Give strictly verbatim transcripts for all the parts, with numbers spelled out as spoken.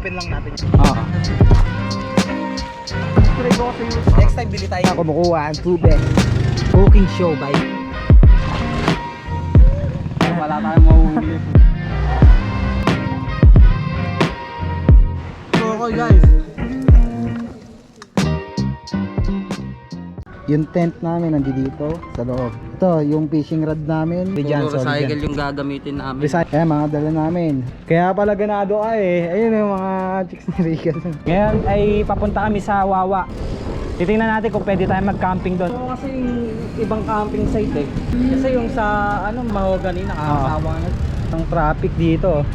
open lang natin. Oo. Try ko kasi next time bili tayo. Ako kumukuha ang tubig. Cooking show by. Wala tayong mahuhuli. Okay guys. Yung tent namin nandito sa loob. Ito, yung fishing rod namin. Puro recycle yung gagamitin namin. Recycle. Kaya mga dala namin. Kaya pala ganado ka eh. Ayun yung mga chicks ni Regan. Ngayon ay papunta kami sa Wawa. Titingnan natin kung pwede tayo mag-camping doon. Oo, kasi yung ibang camping site eh. Kasi yung sa ano, Mahogany nakakasawa na. Ang traffic dito.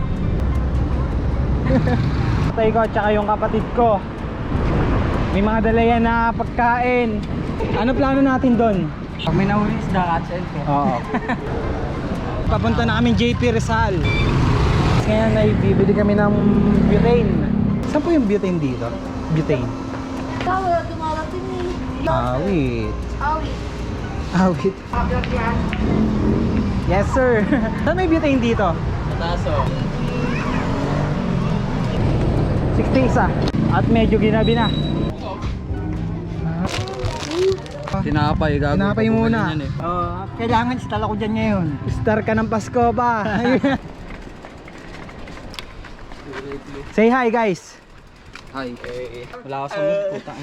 Patay ko at saka yung kapatid ko. May mga dala yan na pagkain. Ano plano natin doon? Pag may nahuli isda, catch and cook. Oo. Papunta na kami J P Rizal. Ngayon ay bibili kami ng butane. Saan po yung butane dito? Butane. Wala dumarating eh. Awit. Awit. Awit. Ablag yan. Yes sir. Saan may butane dito? Taso. sixty isa. At medyo ginabi na. Tinapay, gago. Tinapay muna. Yan, eh. Oh, kailangan stall ako dyan ngayon. Star ka ng Pasko pa. Say hi guys. Hi. Wala ka sa mood, puta.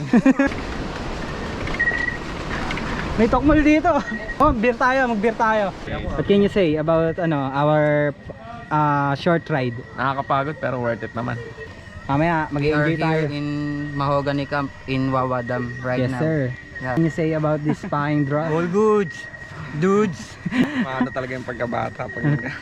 May tokmol dito. Oh, beer tayo, mag-beer tayo. What can you say about ano our uh, short ride? Nakakapagod pero worth it naman. Mamaya We are mag-enjoy tayo. here in Mahogany Camp in Wawa Dam right Yes now. sir. Yeah. What can you say about this fine draw? All goods. Dudes. Paano talaga yung pagkabata pag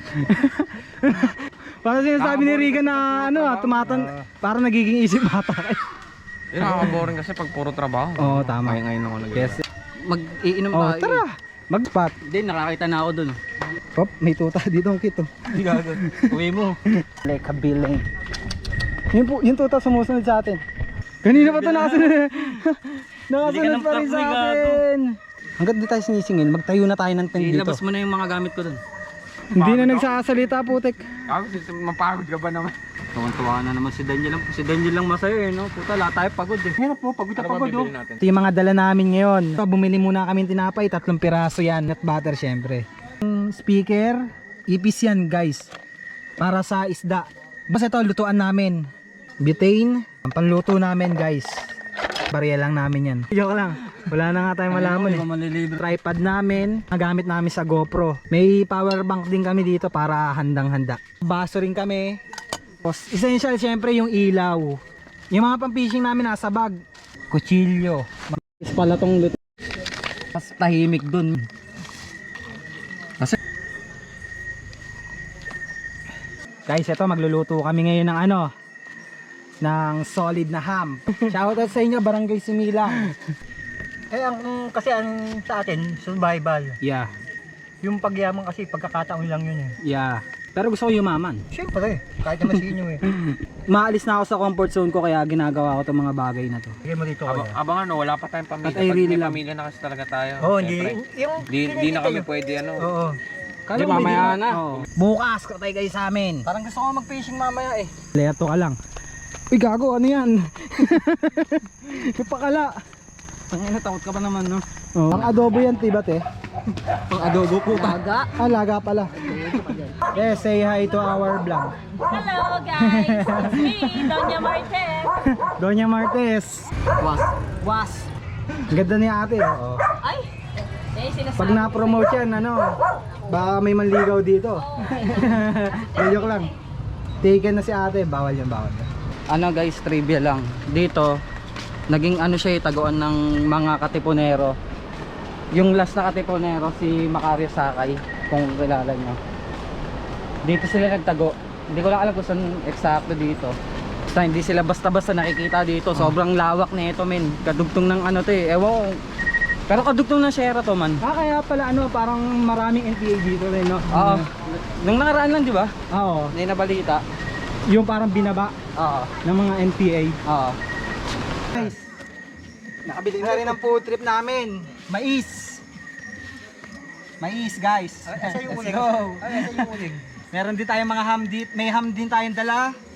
Parang sinasabi ni Regan na ano ah, tumatan, parang nagiging isip bata kayo. Yun, nakaka-boring kasi pag puro trabaho. Oo, tama. Ngayon ngayon ako nag Yes. Mag-iinom Oh, tayo. tara. Mag-spot. Hindi, nakakita na ako dun. Hop, may tuta dito ang kito. Gago. Uwi mo. Like kabiling. Yun po, yung tuta sumusunod sa atin. Kanina pa ito nakasunod. Nakasunod pa rin sa atin. Hanggang di tayo sinisingin, magtayo na tayo ng tent dito. Ilabas mo na yung mga gamit ko dun. Hindi na nagsasalita putek. Ako, mapagod ka ba naman? Tuwan-tuwa na naman si Daniel lang. Si Daniel lang masaya eh, no? Puta, lahat tayo pagod eh. Hirap po, pagod Ano ba bibili natin? Ito yung mga dala namin ngayon. Ito, bumili muna kami ng tinapay, tatlong piraso yan. Nut butter syempre. Yung speaker, ipis yan guys. Para sa isda. Basta ito, lutuan namin. Butane, ang panluto namin guys. Barya lang namin yan. Joke lang. Wala na nga tayong malaman eh. Malilibre. Tripod namin, nagamit namin sa GoPro. May power bank din kami dito para handang-handa. Baso rin kami. Tapos, essential syempre yung ilaw. Yung mga pang-fishing namin nasa bag. Kutsilyo. Mas pala tong luto. Mas tahimik dun. Kasi Guys, ito magluluto kami ngayon ng ano, ng solid na ham. Shoutout sa inyo, Barangay Similang. Eh ang kasi ang sa atin survival. Yeah, Yung pagyaman kasi pagkakataon lang yun eh. yeah. Pero gusto ko yumaman. Siyempre, kahit naman sinyo eh. Maalis na ako sa comfort zone ko kaya ginagawa ko itong mga bagay na to. Sige mo dito Abang, kaya. abang ano, wala pa tayong pamilya. At I Pag really may love- pamilya na kasi talaga tayo. Oo, hindi. Siyempre. Yung Di, di na kami pwede ano. Oo. Kala Di, mo mamaya hindi- na. Oo. Bukas, katay kayo sa amin. parang gusto ko mag-fishing mamaya eh. Leto ka lang. Uy gago, ano yan? Ipakala. Tangina, takot ka pa naman, no? Oh. Ang adobo yan, tibat eh. Pang adobo po. Laga. Ah, laga pala. Yes, say hi to our vlog. Hello guys, it's me, Doña Martes. Doña Martes. Was. Was. Ang ganda ni ate. Oo. Ay, eh sinasabi. Pag na-promote yan, ano, baka may manligaw dito. Joke lang. Taken na si ate, bawal yan, bawal yan. Ano guys, trivia lang. Dito, naging ano siya, eh, taguan ng mga katipunero. Yung last na katipunero, si Macario Sakay, kung kilala nyo. Dito sila nagtago. Hindi ko lang alam kung saan eksakto dito. Basta hindi sila basta-basta nakikita dito. Sobrang lawak na ito, men. Kadugtong ng ano to eh. Ewan ko. Pero kadugtong ng Sierra to, man. Ah, kaya pala ano, parang maraming N P A dito rin, no? Oo. Nung nakaraan lang, di ba? Oo. May nabalita. Yung parang binaba Oo. ng mga N P A. Oo. Guys, nakabili na rin ang food trip namin. Mais. Mais, guys. Asa yung Let's uling? go. Ay, asa yung uling? Meron din tayong mga ham dito. May ham din tayong dala.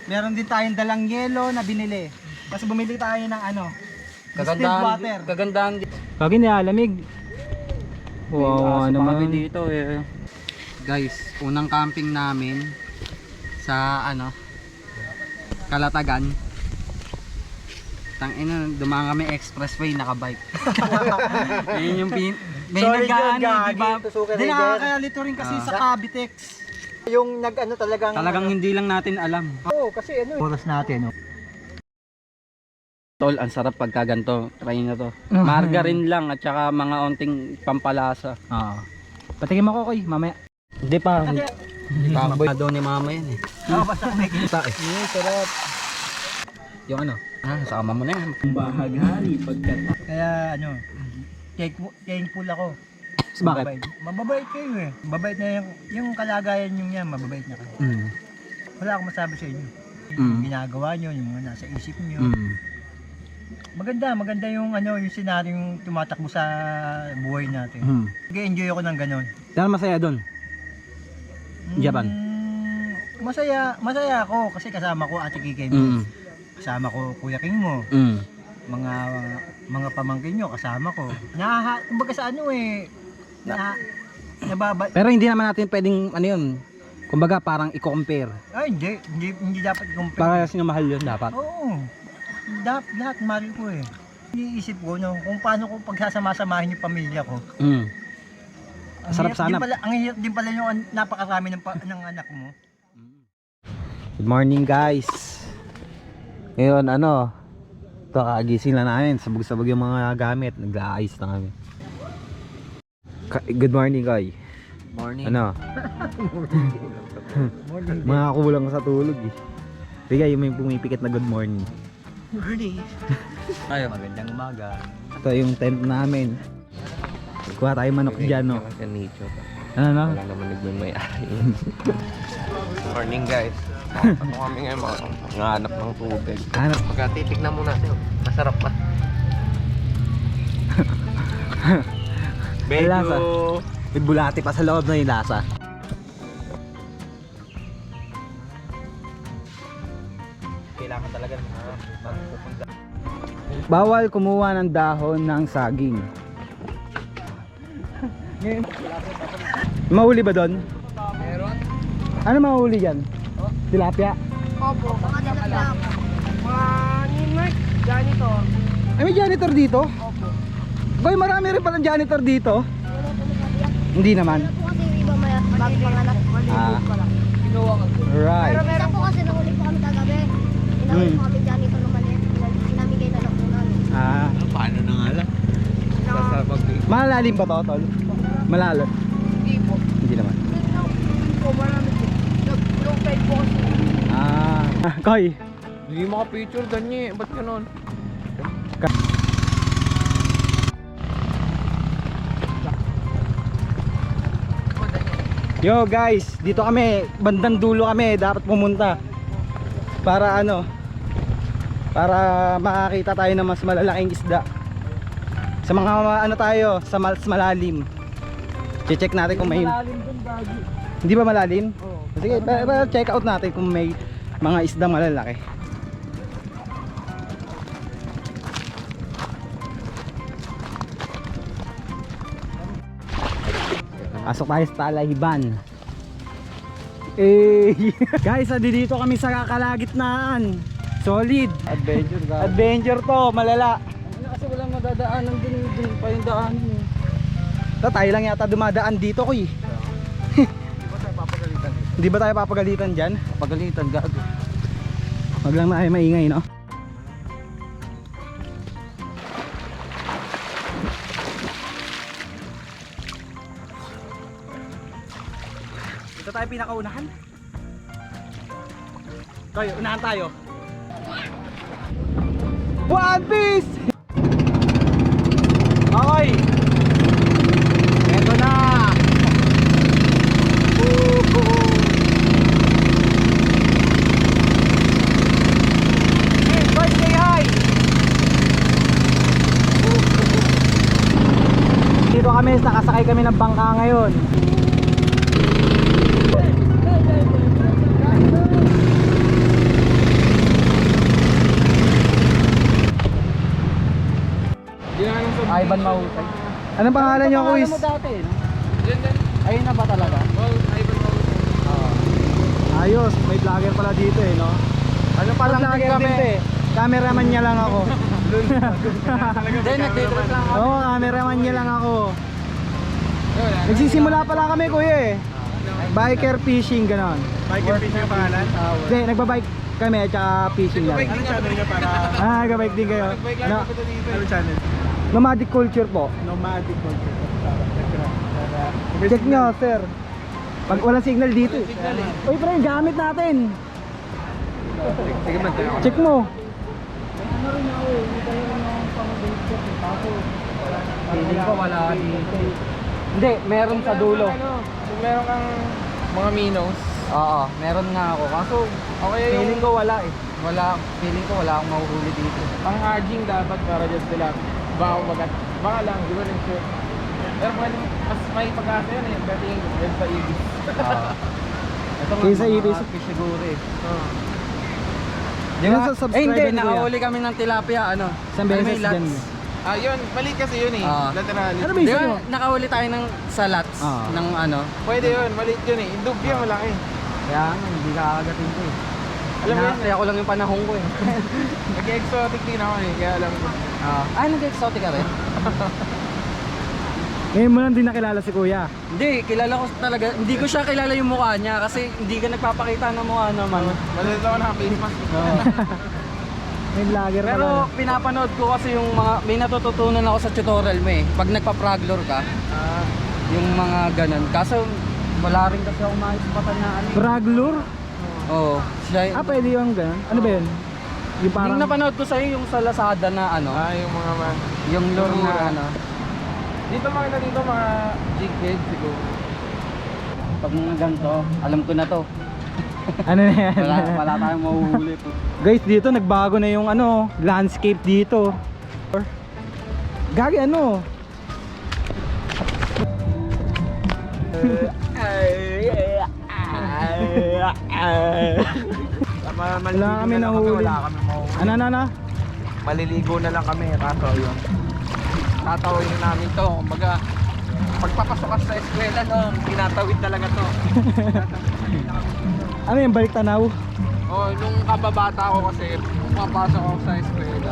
Meron din tayong dalang yelo na binili. Tapos bumili tayo ng ano, distilled Kagandahan, water. kagandahan din. Kagi nilalamig. Wow, Aso ano pa kami naman. dito eh. Guys, unang camping namin sa ano, Kalatagan. Tangina, dumaan kami expressway nakabike. Yun yung pin may Solid yun, nagaan, gagi. di ba? Tusukin Hindi rin din. nakakalito rin kasi Ah. sa Cavitex. Yung nag-ano talagang... Talagang hindi lang natin alam. Oo, kasi ano. Oras natin, oh. Tol, ang sarap pagka ganito. Try na to. Margarine lang at saka mga onting pampalasa. Oo. Patingin mo ko koy, mamaya. Hindi pa. Kasi, Kaboy daw ni mama yan eh. oh, basta may kita eh. Yun, sarap. Yung ano? Ah, sama mo na yan. Kaya ano, thankful, thankful ako. Bakit? Mababait. Mababait kayo eh. Mababait na yung, yung kalagayan nyo yan, mababait na kayo. Mm. Wala akong masabi sa inyo. Yung Mm. ginagawa nyo, yung mga nasa isip nyo. Mm. Maganda, maganda yung ano, yung senaryo yung tumatakbo sa buhay natin. Mm. Nag-enjoy ako ng ganon. Dahil masaya doon. Japan? Mm, masaya, masaya ako kasi kasama ko Ate Kikay mo. Mm. Kasama ko Kuya King mo. Mm. Mga mga pamangkin nyo kasama ko. Naha, kumbaga sa ano eh, na, nababa, Pero hindi naman natin pwedeng ano yun. Kumbaga parang i-compare. ay hindi, hindi, hindi dapat compare. Para sino mahal yun dapat. Oo, lahat, lahat mahal ko eh. Iniisip ko no, kung paano ko pagsasama-samahin yung pamilya ko. Mm. Ang Sarap hirap sana. Din pala, ang hirap din pala yung an- napakarami ng, pa- ng anak mo. Good morning guys. Ngayon ano, ito kakagising lang namin. Sabog-sabog yung mga gamit. Nag-aayos na kami. Ka- Good morning Koy. Morning. Ano? Mga kulang sa tulog eh. Bigay yung may pumipikit na good morning. Morning. Ayo. Magandang umaga. Ito yung tent namin. Kuha tayo manok dyan no. Kasi nature. Ano no? Wala naman nagmamay-ari. Morning guys. Ako kami ngayon mga nanganap ng tubig. Ano? Pagka titignan mo natin, oh, masarap pa. May lasa. May bulati pa sa loob na yung lasa. Kailangan talaga ng mga Bawal kumuha ng dahon ng saging. Mahuli ba doon? Meron? Ano mahuli dyan? Tilapia? Opo, mga dalagdag. Mga Ninmark, janitor. Ay may janitor dito? Opo. Boy, marami rin palang janitor dito. Hindi naman. Wala po kasi yung iba may magpanganak. Ah. Pa lang. Right. Pero meron po kasi nahuli po kami kagabi. Pinahuli Hmm. po kami janitor ng maliit. Pinamigay na lang po namin. Ah, Paano na nga lang? Basta pag malalim ba to, tol? Malalim. Hindi po. Hindi naman. Po, marami po. Low tide po kasi. Ah, Koy. hindi maka-picture ganyan. Ba't ganun? Yo guys, dito kami, bandang dulo kami, dapat pumunta. Para ano? Para makakita tayo ng mas malalaking isda. Sa mga ano tayo, sa mas malalim. Che-check natin kung may Hindi ba malalim? Oo. Sige, pa, pa, check out natin kung may mga isdang malalaki. Pasok tayo sa Talahiban. Eh, guys, adi dito kami sa kakalagitnaan. Solid. Adventure guys. Adventure to, malala. Kasi walang madadaanan din, din pa yung daan. Ta, tayo lang yata dumadaan dito, kuy. Di ba tayo papagalitan dito? Hindi ba tayo papagalitan dyan? Papagalitan, gago. Wag lang na ay maingay, no? Ito tayo pinakaunahan. Tayo, unahan tayo. One Piece! Okay. Eto na. Woohoo! Hey, boy, say hi! Dito kami, nakasakay kami ng bangka ngayon. Ivan Mahusay. Anong pangalan niyo, Pangalan Kuis? mo dati, no? Ayun na ba talaga? Ayos, may vlogger pala dito eh, no? Ano pa lang din Vlogger kami? din to eh. Cameraman niya lang ako. Hindi, nagtitrip lang ako. Oo, cameraman niya lang ako. Nagsisimula pala kami, kuya eh. Biker fishing, ganon. Biker fishing ang pangalan? Hindi, nagbabike kami at saka fishing lang. Anong channel niya para? Ah, nagbabike din kayo. Ano? Anong channel? Nomadic culture po. Nomadic culture. Check nyo, sir. Pag walang signal dito eh. Uy, pre, gamit natin. Sige man, tayo. Check mo. Feeling ko wala dito. Hindi, meron sa dulo. Kung meron kang mga minos, Oo, meron nga ako. Kaso, okay feeling yung ko wala eh. Wala, feeling ko wala akong mahuhuli dito. pang-aging dapat para dyan sila. Baka magat. Baka lang, di ba rin sure. Pero pwede, mas may pag-asa yun eh. Dating yan sa ibig. Oo. Ito nga, Kaysa mga ibis. fish siguro eh. Di ba? Sa Eh hindi, subscriber ni Kuya. nakahuli kami ng tilapia, ano? Isang Ay, beses may lats. dyan. Ah, yun. Mali kasi yun eh. Ah. Laterally. Ano ba Di isa ba, nyo? nakahuli tayo ng sa lats Ah. ng ano? Pwede yun. Maliit yun eh. Indug yan, malaki. Kaya nga, hindi kakagatin ko eh. Alam mo yun, Hinahakli ako lang yung panahon ko eh. nag-exotic din ako eh. Kaya alam ko. Ah, ay, nag-exotic ka rin? Ngayon mo lang din nakilala si Kuya. Hindi, kilala ko talaga. Hindi ko siya kilala yung mukha niya kasi hindi ka nagpapakita ng mukha naman. Maliit ako na face mask. May vlogger pala. Pero pinapanood ko kasi yung mga, may natututunan ako sa tutorial mo eh. Pag nagpa-fraglor ka, Ah, yung mga ganun. Kaso wala rin kasi ako maisipatan na ano. eh. Braglur? Oo. Siya, Ah, pwede yung ganun. Ano ba yun? Yung parang... yung napanood ko sa'yo yung sa Lazada na ano. ah, yung mga man. Yung lure na mura. ano. Dito makita dito mga jig head siguro. Pag mga ganito, alam ko na to. Ano na yan? Wala, wala tayong mahuhuli po. Guys, dito nagbago na yung ano, landscape dito. Gagi ano? Wala kami nahuli. Wala kami mahuli. Ano, ano, ano? Maliligo na lang kami. Kaso yun. Tatawin namin to. Kumbaga, pagpapasok ka sa eskwela, no, tinatawid talaga to. Ano yung balik tanaw? Oh, nung kababata ako kasi, pumapasok ako sa eskwela.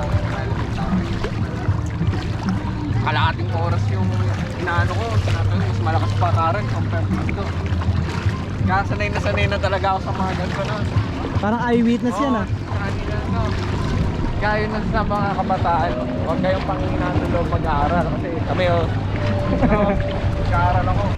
Kalahating oras yung inaano ko. Tinatawid, mas malakas pa karan compared dito. Kaya sanay na sanay na talaga ako sa mga ganito na. Parang eyewitness yan ah. Kaya yun sa mga kabataan, huwag kayong panghinaan ng loob mag-aaral kasi kami oh, oh mag-aaral ako.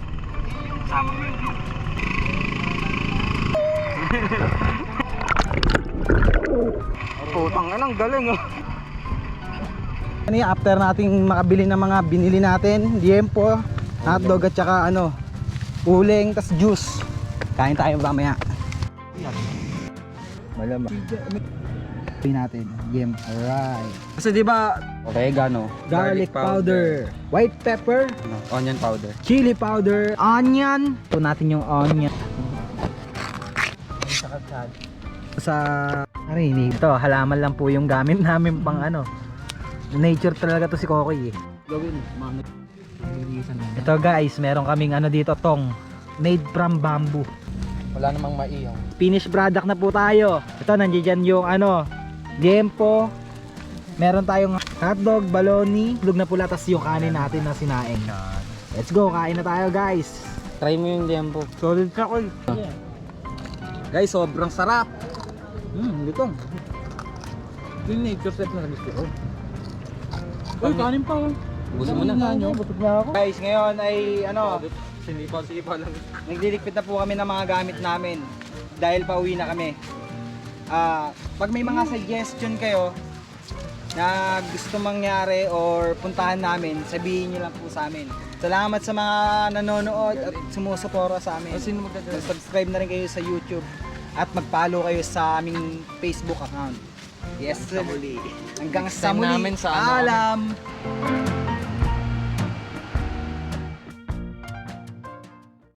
Putang ina, ang galing oh. Ano yung after nating makabili ng mga binili natin, liempo, hotdog at saka ano, uling, tas juice. Kain tayo mamaya. Malamang. Pin natin, game. Alright. Kasi di ba Oregano, garlic powder, white pepper, ano, onion powder. chili powder, onion. Ito natin yung onion. Sa narinig. Ito, halaman lang po yung gamit namin pang ano. Nature talaga to si Kokoy eh. Gawin, mami. Ito guys, meron kaming ano dito, tong made from bamboo. Wala namang maiyaw. Finished product na po tayo. Ito, nandiyan yung ano, liempo. Meron tayong hotdog, baloney, lug na pula, tas yung kanin natin na sinaing. Let's go, kain na tayo guys. Try mo yung liempo. Solid ka ko. Guys, sobrang sarap. Hmm, lutong. Ito yung nature step na gusto ko. Uy, kanin pa. Gusto mo na. Busog na ako. Guys, ngayon ay ano, Sinipa-sipa lang. nagliligpit na po kami ng mga gamit namin dahil pauwi na kami. Ah, pag may mga suggestion kayo na gusto mangyari or puntahan namin, sabihin niyo lang po sa amin. Salamat sa mga nanonood at sumusuporta sa amin. Sino magdadala? Subscribe na rin kayo sa YouTube at mag-follow kayo sa aming Facebook account. Yes, sir. Hanggang sa Time muli. namin sa ano, Alam.